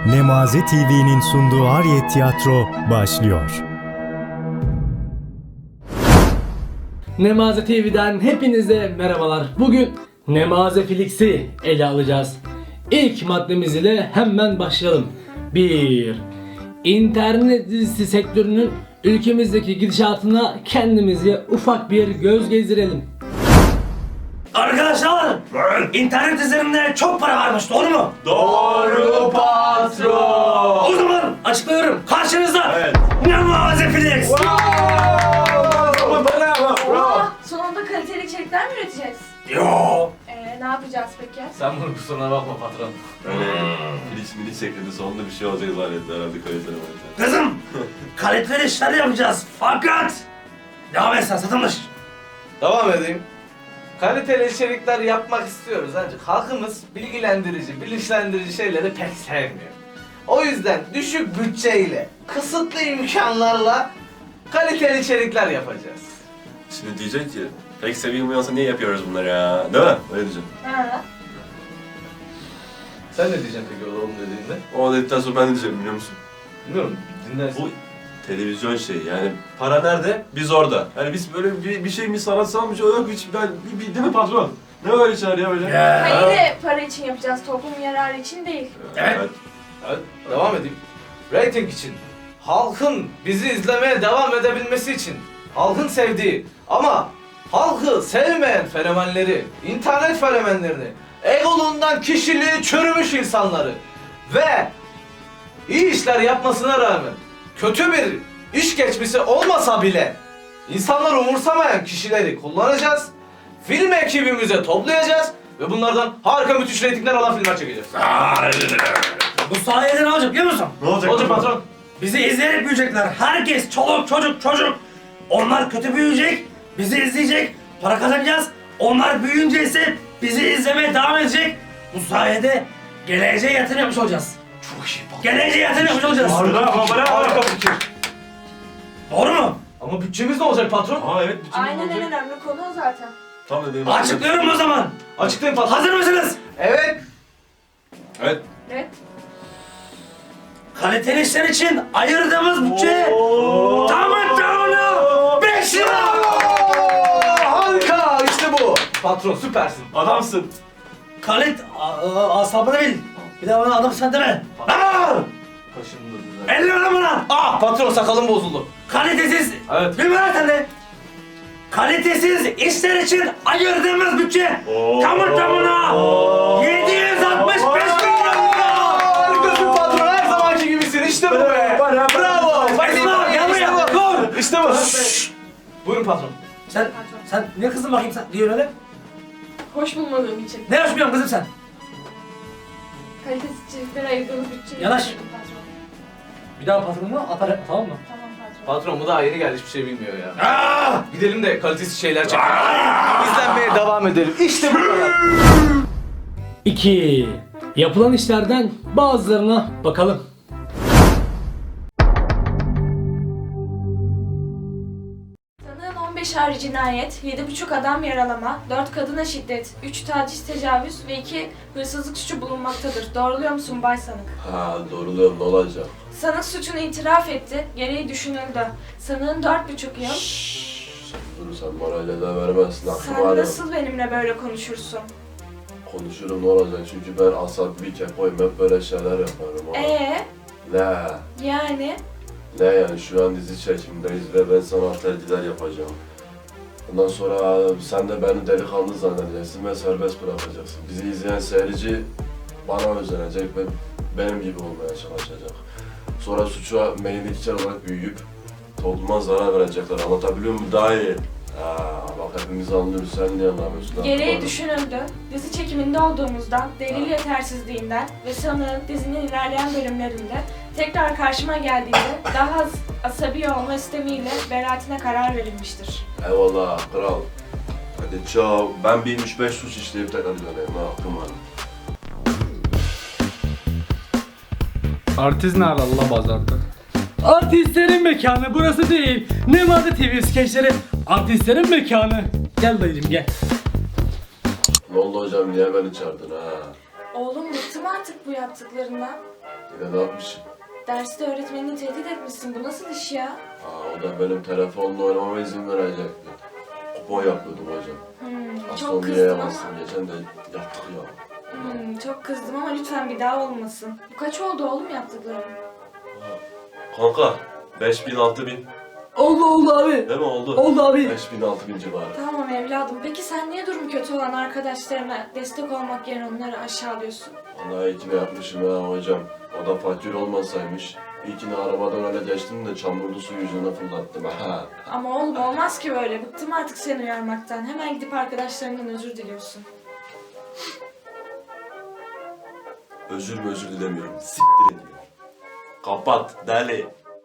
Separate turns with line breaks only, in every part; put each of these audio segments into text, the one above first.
Nemaze TV'nin sunduğu Ariyet Tiyatro başlıyor.
Nemaze TV'den hepinize merhabalar. Bugün Nemaze Flix'i ele alacağız. İlk maddemiz ile hemen başlayalım. 1. İnternet dizisi sektörünün ülkemizdeki gidişatına kendimizi ufak bir göz gezdirelim.
Arkadaşlar, internet üzerinde çok para varmış, doğru mu?
Doğru patron.
O zaman açıklıyorum, karşınızda
Evet.
Nemaze Flix.
Bravo.
Sonunda kaliteli içerikler mi üreteceğiz?
Yo.
Ne yapacağız peki?
Sen bunun kusuruna bakma patron. Öyle filiz milis şeklinde sonunda bir şey olacak zannetti herhalde kaliteli manita.
Kızım, kaliteli işler yapacağız fakat devam et sen, satılmış.
Devam edeyim. Kaliteli içerikler yapmak istiyoruz ancak halkımız bilgilendirici, bilinçlendirici şeyleri pek sevmiyor. O yüzden düşük bütçeyle, kısıtlı imkanlarla kaliteli içerikler yapacağız.
Şimdi diyecek ki pek sevilmiyorsa niye yapıyoruz bunları ya? Değil mi? Öyle diyeceğim.
Ha.
Sen ne diyeceksin peki oğlum dediğinde?
O dedikten sonra ben ne diyeceğim biliyor musun?
Bilmiyorum, dinlersin.
Bu televizyon şeyi yani para nerede? Biz orada. Yani biz böyle bir şey mi sanatsal bir şey yok hiç ben değil mi patron? Ne öyle şeyler ya böyle?
Hayır de para için yapacağız, toplum yararı için değil.
Evet.
Evet, devam edeyim. Rating için, halkın bizi izlemeye devam edebilmesi için, halkın sevdiği ama halkı sevmeyen fenomenleri, internet fenomenlerini, egolundan kişiliği çürümüş insanları ve iyi işler yapmasına rağmen kötü bir iş geçmişi olmasa bile insanları umursamayan kişileri kullanacağız, film ekibimize toplayacağız ve bunlardan harika müthiş reytingler alan filmler çekeceğiz.
Bu sayede ne olacak biliyor musun?
Ne olacak?
Olacak patron.
Bizi izleyerek büyüyecekler. Herkes, çoluk, çocuk. Onlar kötü büyüyecek, bizi izleyecek, para kazanacağız. Onlar büyüyünce ise bizi izlemeye devam edecek. Bu sayede geleceğe yatırım yapmış olacağız.
Çok iyi patron.
Geleceğe yatırım yapmış olacağız.
Harika fikir.
Doğru mu?
Ama bütçemiz ne olacak patron?
Aa evet. bütün
Aynen
olacak.
en önemli konu o zaten.
Tam da benim
Açıklıyorum o zaman.
Açıklayın patron.
Hazır mısınız?
Evet.
Evet.
Evet.
Kaliteli işler için ayırdığımız bütçe tamına 5 lira.
Harika işte bu. Patron süpersin.
Adamsın.
Asabını bil. Bir daha bana adam sen deme. Aa!
Kaşındı düzen.
50 lira bana.
Ah patron sakalım bozuldu.
Kalitesiz.
Evet.
Bilmem sen de. Kalitesiz işler için ayırdığımız bütçe tamına 765 milyon lira.
Harikasın patron her zamanki gibisin işte bu be. Bravo.
Esma gel buraya. Dur.
İşte bu. Buyurun patron.
Sen ne kızın bakayım sen diyor öyle?
Hoş bulmadığım için.
Ne yaşmıyorsun kızım sen?
Kalitesiz içeriklere ayırdığımız bütçeyi...
Yanaş.
Patron.
Bir daha patronunu atar tamam mı?
Tamam patron.
Patron bu daha yeni geldi hiçbir şey bilmiyor ya.
Aa!
Gidelim de kalitesiz şeyler çekelim. İzlenmeye devam edelim. İşte bu kadar.
2. Yapılan işlerden bazılarına bakalım.
Sanığın 15 ağır cinayet, 7,5 adam yaralama, 4 kadına şiddet, 3 taciz tecavüz ve 2 hırsızlık suçu bulunmaktadır. Doğruluyor musun Bay Sanık?
Ha doğruluyorum ne olacak?
Sanık suçunu itiraf etti, gereği düşünüldü. Sanığın 4,5 yıl.
Dur sen morale de vermezsin aklım
Sen
var ya.
nasıl benimle böyle konuşursun?
Konuşurum ne olacak çünkü ben asabi kepoyum hep böyle şeyler yaparım ama. Ne?
Yani?
Ne yani şu an dizi çekimdeyiz ve ben sana tercihler yapacağım. Ondan sonra sen de beni delikanlı zannedeceksin ve serbest bırakacaksın. Bizi izleyen seyirci bana özenecek ve benim gibi olmaya çalışacak. Sonra suça meyillikçi olarak büyüyüp topluma zarar verecekler. Anlatabiliyor muyum? Daha iyi. Bak hepimiz anlıyoruz. Sen niye anlamıyorsun?
Gereği düşünüldü. Dizi çekiminde olduğumuzdan, delil yetersizliğinden ve sanığın dizinin ilerleyen bölümlerinde tekrar karşıma geldiğinde daha az asabi olma istemiyle beraatine karar verilmiştir.
Eyvallah kral. Hadi ciao. Ben bir 3-5 suç işleyip tekrar döneyim. Ha, hakkım var.
Artist nerede Allah pazarda?
Artistlerin mekanı burası değil. Nemaze TV skeçleri artistlerin mekanı. Gel dayıcım gel.
Ne oldu hocam? Niye beni çağırdın ha?
Oğlum bıktım artık bu yaptıklarından.
Yine ne yapmışım?
Derste öğretmenini tehdit etmişsin. Bu nasıl iş ya?
O da benim telefonla oynamama izin verecekti. Kupon yapıyordum hocam.
Çok
Aslan diye
kızdım ama.
yamazsın. Geçen de yaptık ya.
Çok kızdım ama lütfen bir daha olmasın. Bu kaç oldu oğlum yaptıkların?
Kanka 5000 6000
Oldu abi.
değil mi oldu?
Oldu abi.
5000 6000 civarı.
Tamam evladım. Peki sen niye durumu kötü olan arkadaşlarına destek olmak yerine onları aşağılıyorsun?
Vallahi iyi ki ne yapmışım ha hocam. O da fakir olmasaymış. İyi ki ne arabadan öyle geçtim de çamurlu su yüzüne fırlattım ha.
Ama oğlum olmaz ki böyle. Bıktım artık seni uyarmaktan. Hemen gidip arkadaşlarından özür diliyorsun.
Özür dilemiyorum. Siktir ediyorum. Kapat deli.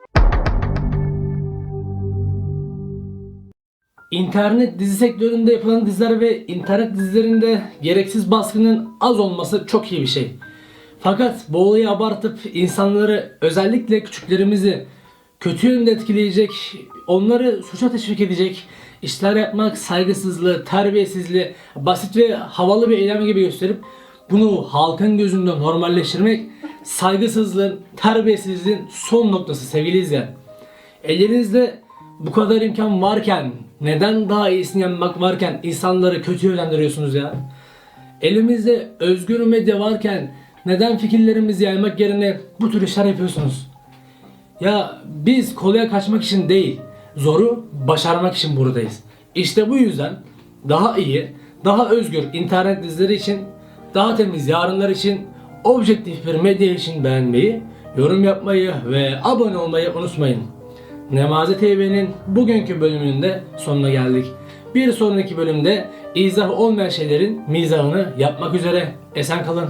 İnternet dizi sektöründe yapılan diziler ve internet dizilerinde gereksiz baskının az olması çok iyi bir şey. Fakat bu olayı abartıp insanları, özellikle küçüklerimizi kötü yönde etkileyecek, onları suça teşvik edecek işler yapmak, saygısızlığı, terbiyesizliği, basit ve havalı bir eylem gibi gösterip bunu halkın gözünde normalleştirmek saygısızlığın, terbiyesizliğin son noktası sevgili izleyen. Elinizde bu kadar imkan varken, neden daha iyisini yapmak varken insanları kötü yönlendiriyorsunuz ya? Elimizde özgür medya varken neden fikirlerimizi yaymak yerine bu tür işler yapıyorsunuz? Ya biz kolaya kaçmak için değil, zoru başarmak için buradayız. İşte bu yüzden daha iyi, daha özgür internet dizileri için, daha temiz yarınlar için, objektif bir medya için beğenmeyi, yorum yapmayı ve abone olmayı unutmayın. Nemaze TV'nin bugünkü bölümünün de sonuna geldik. Bir sonraki bölümde izah olmayan şeylerin mizahını yapmak üzere. Esen kalın.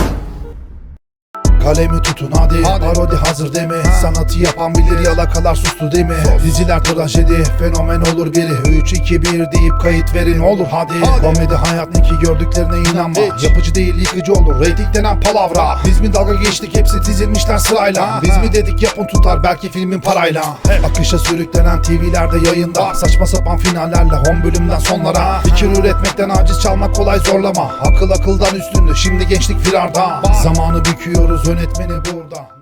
Kalemi tutun hadi, parodi hazır deme. Sanatı yapan bilir, yalakalar sustu deme. Diziler trajedi, fenomen olur biri. 3, 2, 1 deyip kayıt verin olur hadi. Komedi hayat ne ki, gördüklerine inanma. Yapıcı değil yıkıcı olur, reyting denen palavra. Biz mi dalga geçtik, hepsi dizilmişler sırayla. Biz mi dedik yapın tutar, belki filmin parayla. Akışa sürüklenen TV'lerde yayında. Saçma sapan finallerle 10 bölümden sonlara. Fikir üretmekten aciz, çalmak kolay zorlama. Akıl akıldan üstündü, şimdi gençlik firarda. Zamanı büküyoruz, yönetmeni burada.